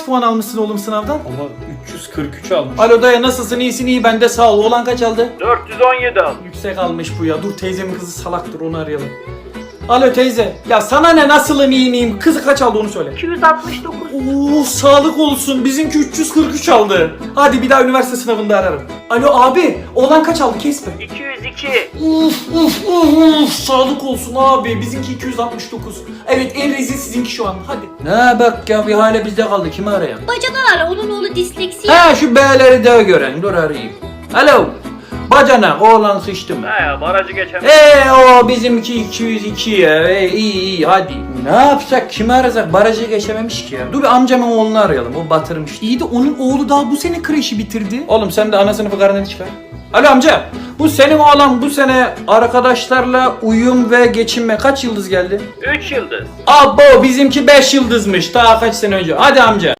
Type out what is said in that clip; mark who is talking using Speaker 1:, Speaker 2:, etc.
Speaker 1: kaç puan almışsın oğlum sınavdan?
Speaker 2: Ama 343 almış.
Speaker 1: Alo dayı nasılsın? İyisin iyi ben de sağ ol. Oğlan kaç aldı?
Speaker 3: 417 al.
Speaker 1: Yüksek almış bu ya. Dur teyzemin kızı salaktır onu arayalım. Alo teyze. Ya sana ne nasılım iyi miyim? Kızı kaç aldı onu söyle.
Speaker 4: 269.
Speaker 1: Oo sağlık olsun. Bizimki 343 aldı. Hadi bir daha üniversite sınavında ararım. Alo abi. Oğlan kaç aldı kesme.
Speaker 3: 202.
Speaker 1: Sağlık olsun abi. Bizimki 269. Evet en rezil sizinki şu an. Hadi.
Speaker 5: Ne bak ya bir hale bizde kaldı. Kimi arayalım?
Speaker 4: Bacadan ara, onun oğlu disleksi.
Speaker 5: Ha şu B'leri de gören. Dur arayayım. Alo. Bacanak oğlan sıçtı mı?
Speaker 3: He ya barajı geçemem.
Speaker 5: O bizimki 202 ya. İyi hadi. Ne yapsak kimi arasak barajı geçememiş ki ya. Dur bir amcamın oğlunu arayalım o batırmış.
Speaker 1: İyi de onun oğlu daha bu sene kreşi bitirdi.
Speaker 5: Oğlum sen de ana sınıfı karneni çıkar. Alo amca. Bu senin oğlan bu sene arkadaşlarla uyum ve geçinme kaç yıldız geldi?
Speaker 3: 3 yıldız.
Speaker 5: Abo bizimki 5 yıldızmış daha kaç sene önce. Hadi amca.